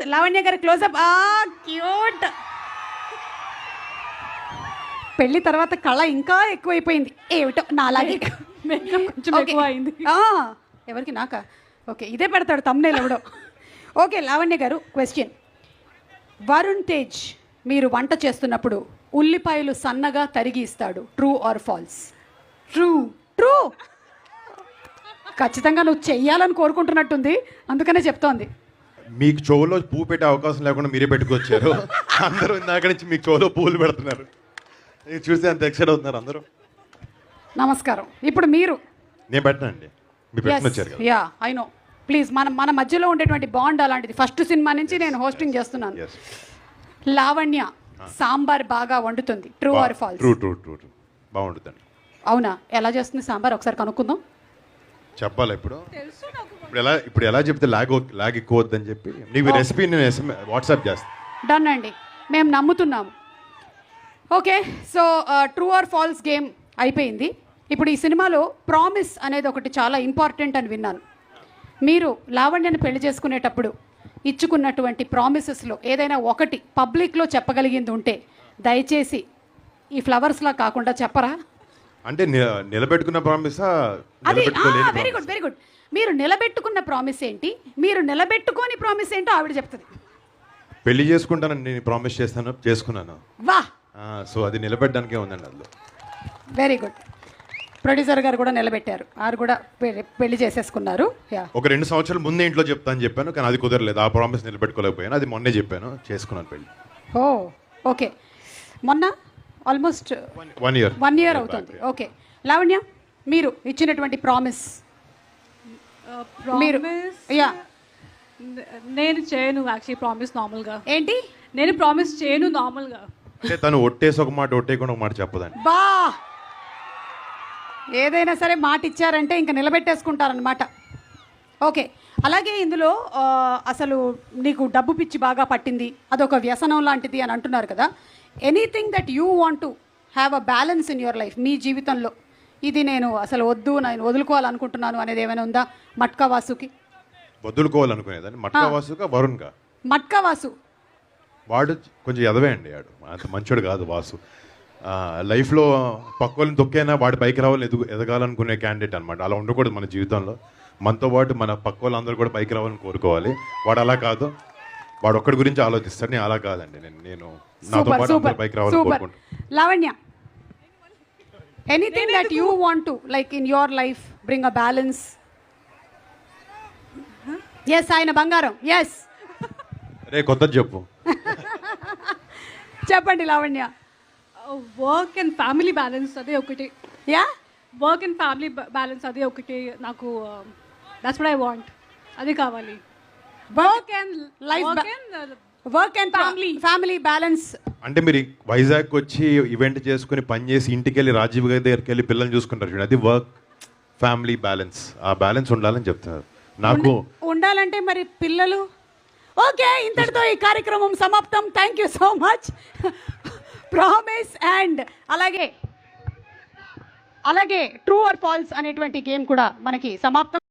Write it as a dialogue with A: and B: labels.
A: లావణ్య గారి closeup. Cute. పెళ్లి తర్వాత కళ ఇంకా ఎక్కువైపోయింది ఏమిటో నాలాగే.
B: కొంచెం ఎక్కువ అయింది.
A: ఎవరికి? నాకా? ఓకే, ఇదే పెడతాడు తమ్నేల్ ఎవడో. ఓకే లావణ్య గారు, క్వశ్చన్. వరుణ్ తేజ్ మీరు వంట చేస్తున్నప్పుడు ఉల్లిపాయలు సన్నగా తరిగి ఇస్తాడు, true or false?
B: True.
A: True. ఖచ్చితంగా నువ్వు చెయ్యాలని కోరుకుంటున్నట్టుంది, అందుకనే చెప్తోంది.
C: మీకు చెవులో పువ్వు పెట్టే అవకాశం లేకుండా మీరే పెట్టుకొచ్చారు. అందరూ ఇందాక నుంచి మీకు చెవులో పువ్వులు పెడుతున్నారు. ఇది చూసి అంత ఎక్సైట్ అవుతున్నారు అందరూ.
A: నమస్కారం. ఇప్పుడు మీరు.
C: నేను పెట్టనండి, మీరు పెట్టుకుని వచ్చారు కదా.
A: Yeah I know. ప్లీజ్ మన మధ్యలో ఉండేటువంటి బాండ్ అలాంటిది. ఫస్ట్ సినిమా నుంచి నేను హోస్టింగ్ చేస్తున్నాను.
C: Yes.
A: లావణ్య సాంబార్ బాగా వండుతుంది, true or false?
C: True true true true. బాగుంటుందండి.
A: అవునా? ఎలా చేస్తుంది సాంబార్ ఒకసారి కనుక్కుందాం.
C: చెప్పాలా ఇప్పుడు? ఇప్పుడు ఎలా చెప్తే లాగ్ ఎక్కువ వద్దని చెప్పి నీకు రెసిపీ నేను వాట్సాప్ చేస్తాను.
A: డన్ అండి, మేము నమ్ముతున్నాము. Okay, so true or false game అయిపోయింది. ఇప్పుడు ఈ సినిమాలో ప్రామిస్ అనేది ఒకటి చాలా ఇంపార్టెంట్ అని విన్నాను. మీరు లావణ్యను పెళ్లి చేసుకునేటప్పుడు ఇచ్చుకున్నటువంటి ప్రామిసెస్లో ఏదైనా ఒకటి పబ్లిక్లో చెప్పగలిగింది ఉంటే దయచేసి ఈ ఫ్లవర్స్లా కాకుండా చెప్పరా?
C: అంటే నిలబెట్టుకున్న ప్రామిసా?
A: అది వెరీ గుడ్ వెరీ గుడ్. మీరు నిలబెట్టుకున్న ప్రామిస్ ఏంటి, మీరు నిలబెట్టుకోని ప్రామిస్ ఏంటో ఆవిడ చెప్తుంది.
C: పెళ్లి చేసుకుంటానని నేను ప్రామిస్ చేస్తాను, చేసుకున్నాను.
A: వా.
C: సో అది నిలబెట్టడానికే ఉందండి అందులో.
A: Very good. ప్రొడ్యూసర్ గారు కూడా నిలబెట్టారు, వారు కూడా పెళ్లి చేసేసుకున్నారు.
C: ఒక 2 సంవత్సరాల ముందే ఇంట్లో చెప్తాను చెప్పాను, కానీ అది కుదరలేదు. ఆ ప్రామిస్ నిలబెట్టుకోలేకపోయాను. అది మొన్నే చెప్పాను, చేసుకున్నాను పెళ్లి.
A: ఓకే. మొన్న ఆల్మోస్ట్
C: 1 year
A: అవుతుంది. ఓకే లావణ్య, మీరు ఇచ్చినటువంటి ప్రామిస్.
B: నేను చేయను యాక్చువల్లీ ప్రామిస్ నార్మల్గా.
A: ఏంటి?
B: నేను ప్రామిస్ చేయను నార్మల్గా.
C: అంటే తను ఒట్టేసి ఒక మాట ఒట్టేయకుండా ఒక మాట చెప్పదండి.
A: బా, ఏదైనా సరే మాట ఇచ్చారంటే ఇంకా నిలబెట్టేసుకుంటారనమాట. ఓకే, అలాగే ఇందులో అసలు నీకు డబ్బు పిచ్చి బాగా పట్టింది, అదొక వ్యసనం లాంటిది అని అంటున్నారు కదా. Anything that you want to have a balance in your life, మీ జీవితంలో ఇది నేను అసలు వద్దు, నేను వదులుకోవాలనుకుంటున్నాను అనేది ఏమైనా ఉందా? మట్కా వాసుకి
C: వదులుకోవాలనుకునేదాన్ని. మట్కా వాసుగా వరుణ్గా?
A: మట్కా వాసు
C: వాడు కొంచెం ఎదవే అండి. వాడు అంత మంచోడు కాదు వాసు. లైఫ్లో పక్క వాళ్ళని తొక్కైనా వాడి పైకి రావాలని ఎదగాలనుకునే క్యాండిడేట్ అనమాట. అలా ఉండకూడదు మన జీవితంలో. మనతో పాటు మన పక్క వాళ్ళందరూ కూడా పైకి రావాలని కోరుకోవాలి. వాడు అలా కాదు, వాడు ఒక్కడి గురించి ఆలోచిస్తాడు. నేను అలా కాదండి. నేను నాతో పాటు అందరూ పైకి రావాలని కోరుకుంటాను.
A: Lavanya, anything that you want to like in your life bring a balance. Yes, ఆయన బంగారం. ఎస్,
C: రే కొత్త చెప్పు.
A: చెప్పండి Lavanya.
B: Work and family balance అదే ఒకటి.
A: Yeah,
B: work and family balance అదే ఒకటి నాకు. That's what I want. అది కావాలి. Work and life,
A: work and family balance.
C: అంటే మీరు వైజాగ్ వచ్చి ఈవెంట్ చేసుకుని పని చేసి ఇంటికి వెళ్ళి రాజీవ్ గారి దగ్గరికి వెళ్ళి పిల్లల్ని చూసుకుంటారు చూడండి, అది వర్క్ ఫ్యామిలీ బ్యాలెన్స్. ఆ బ్యాలెన్స్ ఉండాలని చెప్తున్నారు నాకు.
A: ఉండాలంటే మరి పిల్లలు. ఓకే, ఇంతటితో ఈ కార్యక్రమం సమాప్తం. Thank you so much. Promise and అలాగే ట్రూ ఆర్ ఫాల్స్ అనేటువంటి గేమ్ కూడా మనకి సమాప్తం.